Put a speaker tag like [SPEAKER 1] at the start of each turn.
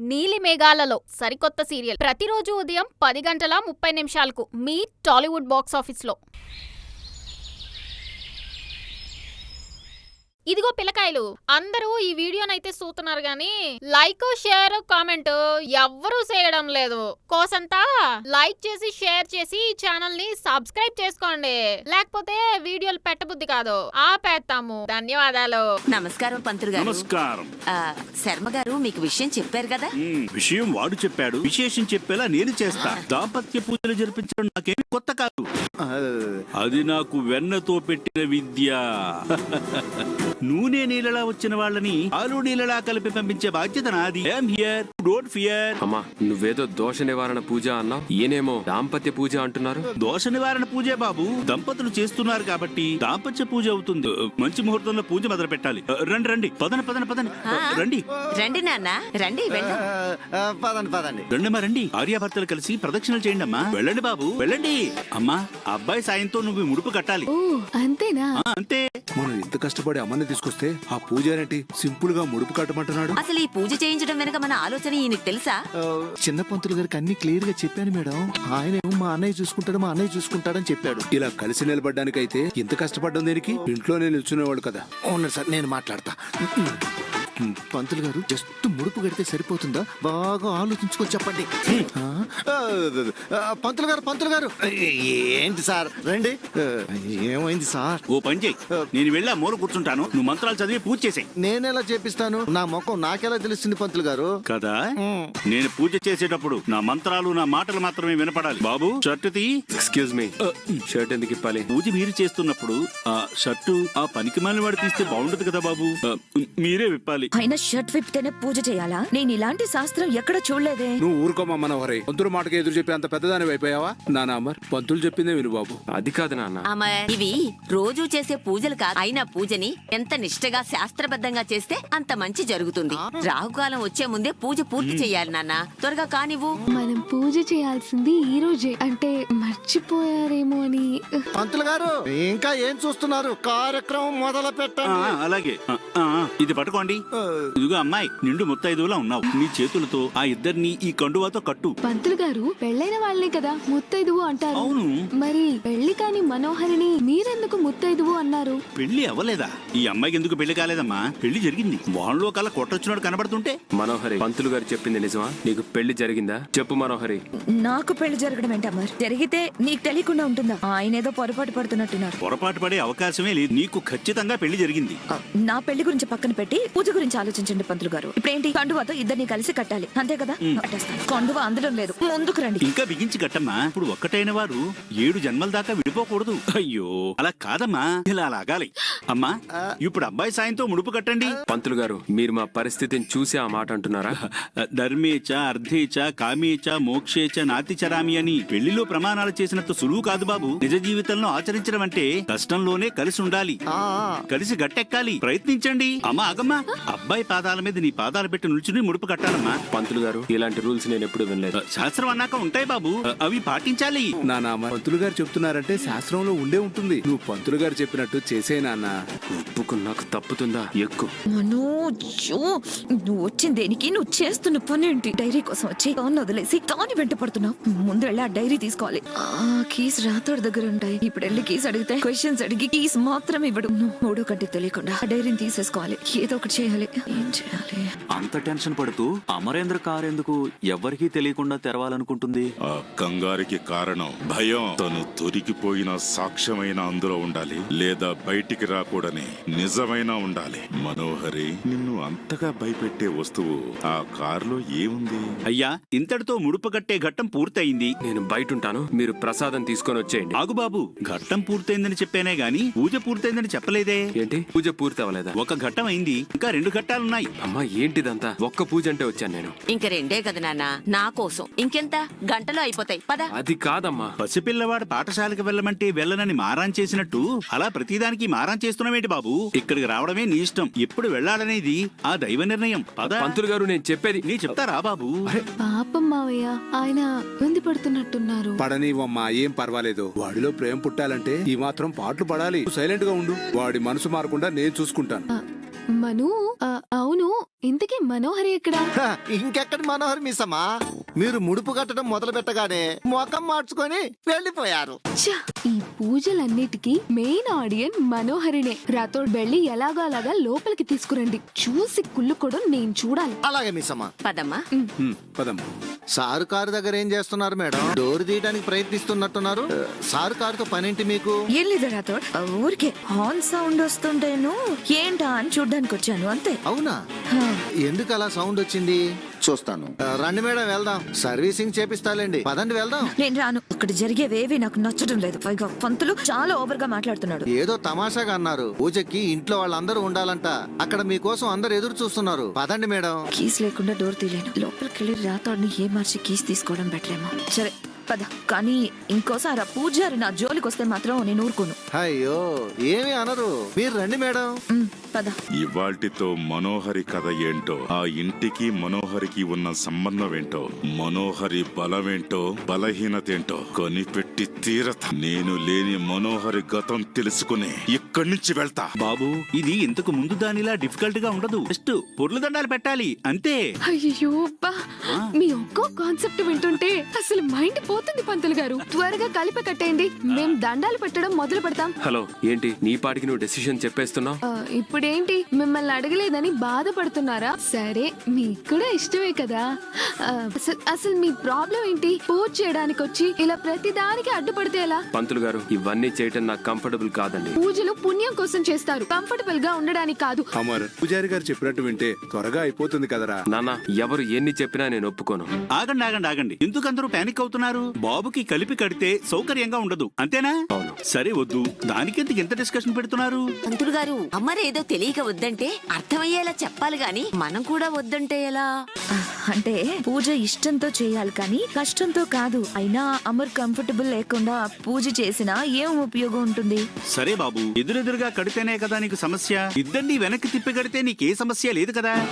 [SPEAKER 1] నీలి మేఘాలలో సరికొత్త సీరియల్ ప్రతిరోజు ఉదయం 10:30 మీ టాలీవుడ్ బాక్స్ ఆఫీస్లో. ఇదిగో పిల్లకాయలు, అందరూ ఈ వీడియోనైతే చూస్తున్నారు గాని లైక్, షేర్, కామెంట్ ఎవ్వరూ చేయడం లేదు. కోసంతా లైక్ చేసి షేర్ చేసి ఈ ఛానల్ ని సబ్స్క్రైబ్ చేసుకోండి, లేకపోతే వీడియోలు పెట్టబుద్ధి కాదు, ఆపేస్తాము. ధన్యవాదాలు.
[SPEAKER 2] నమస్కారం పంతులు గారు.
[SPEAKER 3] నమస్కారం.
[SPEAKER 2] శర్మ గారు మీకు విషయం చెప్పారు కదా?
[SPEAKER 3] విషయం వాడు చెప్పాడు, విశేషం చెప్పేలా నేను చేస్తా. దాంపత్య పూజలు జరిపించడం నాకేమి కొత్త కాదు, అది నాకు వెన్నతో పెట్టిన విద్య. నూనె నీళ్ళలా వచ్చిన వాళ్ళని ఆలు నీళ్ళలా కలిపి పంపించే బాధ్యత నాది. Don't fear.
[SPEAKER 4] అమ్మా, నువ్వేదో దోష నివారణ పూజ అన్నావు, ఈయనేమో దాంపత్య పూజ అంటున్నారు.
[SPEAKER 3] దోష నివారణ పూజే బాబు, దంపతులు చేస్తున్నారు కాబట్టి దాంపత్య పూజ అవుతుంది. మంచి ముహూర్తంలో పూజ మొదలు పెట్టాలి. రండి రండి, పదండి పదండి పదండి, రండి
[SPEAKER 2] రండి నాన్న రండి.
[SPEAKER 5] పదండి పదండి,
[SPEAKER 3] రండమ్మా రండి. ఆర్యాభర్తలు కలిసి ప్రదక్షిణలు చేయండి అమ్మా. వెళ్ళండి బాబు వెళ్ళండి. అమ్మా, అబ్బాయి సాయంతో నువ్వు ముడుపు కట్టాలి.
[SPEAKER 1] అంతేనా?
[SPEAKER 3] అంతే.
[SPEAKER 5] మనం ఇంత కష్టపడి అమ్మని తీసుకొస్తే ఆ పూజ ఏంటి సింపుల్ గా ముడుపు కట్టమంటున్నాడు.
[SPEAKER 2] అసలు ఈ పూజ చేయించడం వెనక మన ఆలోచన ఈయనకి తెలుసా?
[SPEAKER 5] చిన్న పంతులు గారికి అన్ని క్లియర్ గా చెప్పాను మేడం. ఆయన మా అన్నయ్య చూసుకుంటాడు, మా అన్నయ్య చూసుకుంటాడని చెప్పాడు. ఇలా కలిసి నిలబడ్డానికైతే ఇంత కష్టపడ్డం దేనికి? ఇంట్లోనే నిల్చునేవాడు కదా. అవును సార్, నేను మాట్లాడతా. పంతులు గారు జస్ట్ ముడుపు కడితే సరిపోతుందా? బాగా ఆలోచించుకొని చెప్పండి. పంతులు గారు పంతులు గారు ఏంటి సార్? రండి. ఏమైంది సార్?
[SPEAKER 3] ఓ పని చేయి, నేను వెళ్ళా మూల కూర్చుంటాను, నువ్వు మంత్రాలు చదివి పూజ చేసాయి.
[SPEAKER 5] నేనెలా చేపిస్తాను? నా ముఖం నాకెలా తెలుస్తుంది పంతులు గారు?
[SPEAKER 3] కదా, నేను పూజ చేసేటప్పుడు నా మంత్రాలు నా మాటలు మాత్రమే వినపడాలి. బాబు, షర్టు తీ.
[SPEAKER 4] ఎక్స్క్యూజ్ మీ, షర్ట్ ఎందుకు ఇప్పాలి?
[SPEAKER 3] పూజ మీరు చేస్తున్నప్పుడు ఆ షర్టు ఆ పనికి మాలిన వాడు తీస్తే బాగుండదు కదా బాబు, మీరే విప్పాలి.
[SPEAKER 6] అయినా షర్ట్ విప్తేనే పూజ చేయాలా? నేను ఇలాంటి శాస్త్రం ఎక్కడ చూడలేదే.
[SPEAKER 5] నువ్వు ఊరుకోమా మనోహరి. పంతులు మాటకి ఎదురు చెప్పి అంత పెద్దదాని అయిపోయావా? నాన్న అమర్, పంతులు చెప్పిందే విను బాబు.
[SPEAKER 4] అది కాదు నాన్న.
[SPEAKER 2] అమర్, ఇవి రోజు చేసే పూజలు కాదు. అయినా పూజని ఎంత నిష్ఠగా శాస్త్రబద్ధంగా చేస్తే అంత మంచి జరుగుతుంది. రాహుకాలం వచ్చే ముందే పూజ పూర్తి చేయాలి నాన్న. త్వరగా కానివ్వు.
[SPEAKER 7] మనం పూజ చేయాల్సింది ఈ రోజే, అంటే మర్చిపోయారేమో అని.
[SPEAKER 5] పంతులు గారు ఇంకా ఏం చూస్తున్నారు? కార్యక్రమం మొదలు పెట్టండి.
[SPEAKER 3] అలాగే. ఇది పట్టుకోండి. ఇదిగో అమ్మాయి, నిండు ముత్తైదువులా ఉన్నావు. నీ చేతులతో ఆ ఇద్దరిని ఈ కండువాతో కట్టు.
[SPEAKER 7] పంతులు గారు పెళ్ళైన వాళ్ళే కదా ముత్తైదువు అంటారు.
[SPEAKER 3] అవును.
[SPEAKER 7] మరి పెళ్లి కాని మనోహరిని మీరెందుకు ముత్తైదువు అన్నారు?
[SPEAKER 3] పెళ్లి అవ్వలేదా? ఈ అమ్మాయికి ఎందుకు పెళ్లి కాలేదమ్మా? పెళ్లి జరిగింది. వాళ్ళలో కల్లా కొట్టొచ్చినాడు కనబడుతుంటే.
[SPEAKER 4] మనోహరి, పంతులు గారు చెప్పింది నిజమా? నీకు పెళ్లి జరిగిందా? చెప్పు మనోహరి.
[SPEAKER 6] నాకు పెళ్లి జరగడం ఏంటమ్మా? జరిగితే నీకు తెలియకుండా ఉంటుందా? ఆయన ఏదో పొరపాటు పడుతున్నట్టున్నారు.
[SPEAKER 3] పొరపాటు పడే అవకాశమే లేదు. నీకు ఖచ్చితంగా పెళ్లి జరిగింది.
[SPEAKER 6] నా పెళ్లి గురించి పక్కన పెట్టి పూజ గురించి ఆలోచించండి పంతులు గారు. ఇప్పుడేంటి? కండువాతో ఇద్దరిని కలిసి కట్టాలి, అంతే కదా? కట్టేస్తాను. కండువ అందడం లేదు, ముందుకు రండి.
[SPEAKER 3] ఇంకా బిగించి కట్టమ్మా. ఇప్పుడు ఒక్కటైన వారు 7 జన్మల దాకా విడిపోకూడదు. అయ్యో, అలా కాదమ్మా, ఇలా లాగాలి. అమ్మా, ఇప్పుడు అబ్బాయి సాయంతో ముడుపు కట్టండి.
[SPEAKER 4] పంతులు గారు, మీరు మా పరిస్థితిని చూసి ఆ మాట అంటున్నారా?
[SPEAKER 3] ధర్మేచ అర్ధేచ కామేచ మోక్షేచ నాతి చరామి అని పెళ్లిలో ప్రమాణాలు చేసినంత సులువు కాదు బాబు. నిజ జీవితంలో ఆచరించడం అంటే కష్టంలోనే కలిసి ఉండాలి, కలిసి గట్టెక్కాలి. ప్రయత్నించండి. అమ్మా ఆగమ్మా, అబ్బాయి పాదాల మీద నీ పాదాలు పెట్టి నిల్చుని ముడుపు కట్టాలమ్మా.
[SPEAKER 4] పంతులు గారు, ఇలాంటి రూల్స్ నేను ఎప్పుడు వినలేదు.
[SPEAKER 3] శాస్త్రం అన్నాక ఉంటాయి బాబు, అవి పాటించాలి.
[SPEAKER 5] నాన్న, పంతులు గారు చెప్తున్నారంటే శాస్త్రంలో ఉండే ఉంటుంది. నువ్వు పంతులు గారు చెప్పినట్టు చేసే నాన్న.
[SPEAKER 4] ఒప్పుకున్నాకు తప్పుతుందా? ఎక్కువ.
[SPEAKER 6] మనోజు, నువ్వు వచ్చిన దేనికి? నువ్వు చేస్తున్న పని ఏంటి? డైరీ కోసం వచ్చి కాన్ని వదిలేసి కాని వెంట పడుతున్నావు. ముందు వెళ్ళి ఆ డైరీ తీసుకోవాలి. కీస్ రాతోడి దగ్గర ఉంటాయి. ఇప్పుడు వెళ్ళి కీస్ అడిగితే క్వశ్చన్స్ అడిగి కీస్ మాత్రం ఇవ్వడు. మూడో కంటే తెలియకుండా ఆ డైరీని తీసేసుకోవాలి. ఏదో ఒకటి చేయాలి. ఏం చేయాలి?
[SPEAKER 8] అంత టెన్షన్ పడుతూ అమరేంద్ర కార్ ఎందుకు ఎవరికీ తెలియకుండా తెరవాలనుకుంటుంది?
[SPEAKER 9] ఆ కంగారికి కారణం భయం. తను దొరికిపోయిన సాక్ష్యమైన అందులో ఉండాలి, లేదా బయటికి రాకూడని నిజమైన ఉండాలి. మనోహరి, నిన్ను అంతగా భయపెట్టే వస్తువు ఆ కారులో ఏముంది?
[SPEAKER 3] అయ్యా, ఇంతటితో ముడుపు కట్టే ఘట్టం పూర్తయింది.
[SPEAKER 4] నేను బయట ఉంటాను, మీరు ప్రసాదం తీసుకొని వచ్చేయండి.
[SPEAKER 3] ఆగు బాబు, ఘట్టం పూర్తయిందని చెప్పానే గాని పూజ పూర్తయిందని చెప్పలేదే.
[SPEAKER 4] ఏంటి? పూజ పూర్తి అవ్వలేదా?
[SPEAKER 3] ఒక ఘట్టం అయింది, ఇంకా 2 ఘట్టాలున్నాయి.
[SPEAKER 4] అమ్మా, ఏంటిదంతా? ఒక్క పూజ అంటే వచ్చాను నేను.
[SPEAKER 2] ఇంక రెండే కదా నాన్న, నా కోసం. ఇంకెంత? గంటలో అయిపోతాయి, పద.
[SPEAKER 4] అది కాదమ్మా.
[SPEAKER 3] పసిపిల్లవాడు పాఠశాలకు వెళ్ళమంటే వెళ్ళనని మారాన్ చేసినట్టు అలా ప్రతిదానికి మారాన్ చేస్తున్నావేంటి బాబు? ఇక్కడికి రావడమే నీ ఇష్టం. ఎప్పుడు వెళ్ళాలనేది ఆ దైవ నిర్ణయం.
[SPEAKER 4] పంతులు గారు, నేను చెప్పేది
[SPEAKER 3] నీ చెప్తారా బాబు?
[SPEAKER 7] పాపం మావయ్య, ఆయన ఇబ్బంది పడుతున్నట్టున్నారు.
[SPEAKER 5] పడనివమ్మా, ఏం పర్వాలేదు. వాడిలో ప్రేమ పుట్టాలంటే ఈ మాత్రం పాటలు పడాలి. సైలెంట్ గా ఉండు. వాడి మనసు మారకుండా నేను చూసుకుంటాను.
[SPEAKER 7] మను, అవును, ఇంతకీ మనోహరి ఎక్కడా?
[SPEAKER 5] హ, ఇంకెక్కడి మనోహర్ మిస్సమ్మా, మీరు ముడుపు కట్టడం మొదలు పెట్టగానే ముఖం మార్చుకొని వెళ్ళిపోయారు.
[SPEAKER 7] ఛ! ఈ పూజలన్నిటికీ మెయిన్ ఆడియన్ మనోహరినే. రాతోడ్ వెళ్ళి ఎలాగో అలాగా లోపలికి తీసుకురండి. చూసి కుళ్ళు కూడా నేను చూడాలి.
[SPEAKER 5] అలాగే మిస్సమ్మా.
[SPEAKER 2] పదమ్మా.
[SPEAKER 5] పదమ్మా. సారు కారు దగ్గర ఏం చేస్తున్నారు మేడం? డోర్ తీయడానికి ప్రయత్నిస్తున్నట్టున్నారు. సారు కారుతో పనేంటి మీకు?
[SPEAKER 6] ఏం లేదా రాథోడ్, ఊరికే హార్న్ సౌండ్ వస్తుంటేను ఏంటా అని చూడ్డానికి వచ్చాను అంతే.
[SPEAKER 5] అవునా?
[SPEAKER 6] హా.
[SPEAKER 5] ఎందుకు అలా సౌండ్ వచ్చింది? చూస్తాను. రండి మేడం, వెళ్దాం. సర్వీసింగ్ చేపిస్తాలేండి. పదండి వెళ్దాం.
[SPEAKER 6] నేను రాను. ఇక్కడ జరిగేవేవి నాకు నచ్చడం లేదు. పైగా పంతులు చాలా ఓవర్ గా మాట్లాడుతున్నాడు.
[SPEAKER 5] ఏదో తమాషాగా అన్నారు. పూజకి ఇంట్లో వాళ్ళందరూ ఉండాలంట. అక్కడ మీకోసం అందరు ఎదురు చూస్తున్నారు. పదండి మేడం.
[SPEAKER 6] కీస్ లేకుండా డోర్ తీయలేను. లోపలికి వెళ్ళి రాథోడ్ని ఏ మార్చి కీస్ తీసుకోవడం బెటర్ ఏమో. సరే పద. కానీ ఇంకోసారి ఆ పూజారి నా జోలికి వస్తే మాత్రం నేను ఊరుకోను.
[SPEAKER 5] అయ్యో, ఏమీ అనరు. మీరు రండి మేడం.
[SPEAKER 6] పద.
[SPEAKER 9] ఇవాల్టితో మనోహరి కథ ఏంటో, ఆ ఇంటికి మనోహరికి ఉన్న సంబంధం ఏంటో, మనోహరి బలమేంటో బలహీనతేంటో కనిపెట్టి తీరత. నేను లేని మనోహరి గతం తెలుసుకుని ఇక్కడి నుంచి వెళ్తా.
[SPEAKER 3] బాబు, ఇది ఇంతకు ముందు దానిలా డిఫికల్ట్ గా ఉండదు. జస్ట్ పొర్లు దండాలు పెట్టాలి అంతే.
[SPEAKER 7] అయ్యో అబ్బా! మీ ఒక్కో కాన్సెప్ట్ వింటుంటే అసలు మైండ్ పోతుంది పంతులు గారు. త్వరగా కలిపి కట్టేయండి. మేం దండాలు పెట్టడం మొదలు పెడతాం.
[SPEAKER 4] హలో, ఏంటి నీ పాటికి నువ్వు డెసిషన్ చెప్పేస్తున్నావు?
[SPEAKER 7] ఇప్పుడేంటి, మిమ్మల్ని అడగలేదని బాధపడుతున్నారా? సరే, మీకు కూడా ఇష్టమే కదా. అసలు మీ ప్రాబ్లం ఏంటి? పూజ చేయడానికి వచ్చి ఇలా ప్రతి దానికి అడ్డుపడితే ఎలా?
[SPEAKER 4] పంతులు గారు, ఇవన్నీ చేయటం నాకు కంఫర్టబుల్ కాదండి.
[SPEAKER 7] పూజలు పుణ్యం కోసం చేస్తారు, కంఫర్టబుల్ గా ఉండడానికి కాదు.
[SPEAKER 5] అమర్, పూజారి గారు చెప్పినట్టు వింటే త్వరగా అయిపోతుంది కదరా.
[SPEAKER 4] నాన్న, ఎవరు ఎన్ని చెప్పినా నేను ఒప్పుకోను.
[SPEAKER 3] ఆగండి ఆగండి ఆగండి, ఎందుకు అందరూ పానిక్ అవుతున్నారు? బాబుకి కలిపి కడితే సౌకర్యంగా ఉండదు అంతేనా?
[SPEAKER 4] అవును.
[SPEAKER 3] సరే వద్దు, దానికెందుకు ఎంత డిస్కషన్ పెడుతున్నారు?
[SPEAKER 2] పంతులు గారు, అమ్మరేదో తెలియక వద్దంటే అర్థమయ్యేలా చెప్పాలి గాని మనం కూడా వద్దంటే ఎలా?
[SPEAKER 6] అంటే పూజ ఇష్టంతో చేయాలి కానీ కష్టంతో కాదు. అయినా అమర్ కంఫర్టబుల్ లేకుండా పూజ చేసినా ఏం ఉపయోగం ఉంటుంది?
[SPEAKER 3] సరే బాబు, ఎదురెదురుగా కడితేనే కదా నీకు సమస్య. ఇద్దరిని వెనక్కి తిప్పి కడితే నీకే సమస్య లేదు కదా.